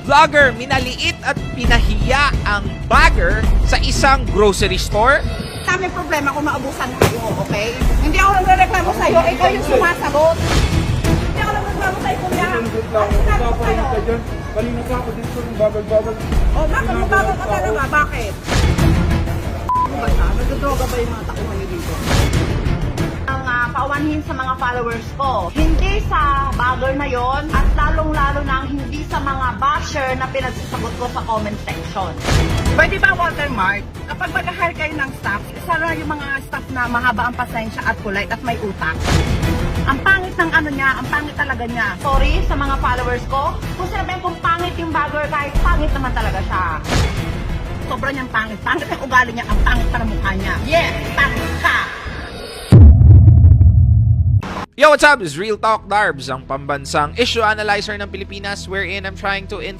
vlogger minaliit at pinahiya ang bagger sa isang grocery store? Kami problema kung maabusan kayo, okay? Hindi ako nagre-reklamo sa'yo, ikaw yung sumasagot. Hindi ako nagre-reklamo sa'yo, kuya. Ano sinabi ko sa'yo? Kanina ka ako dito ng bagal-bagal. O, bakit mabagal ka talaga? Bakit? Ano ba siya? Nagdodroga ba yung mga takuhan niyo dito? Ang paumanhin sa mga followers ko, hindi sa bagger na yon at lalong-lalo na hindi sa mga basher na pinagsasagot ko sa comment section. Pwede ba watermark? Kapag mag-hire kayo ng staff, sana yung mga staff na mahaba ang pasensya at polite at may utak. Ang pangit ng ano niya, ang pangit talaga niya. Sorry sa mga followers ko, kung sinabihin kong pangit yung bagger, kahit pangit naman talaga siya. Sobra niyang pangit. Pangit ang ugali niya, ang pangit para mukha niya. Yes, pangit ka! Yo, what's up? This is Real Talk Darbs, ang pambansang issue analyzer ng Pilipinas wherein I'm trying to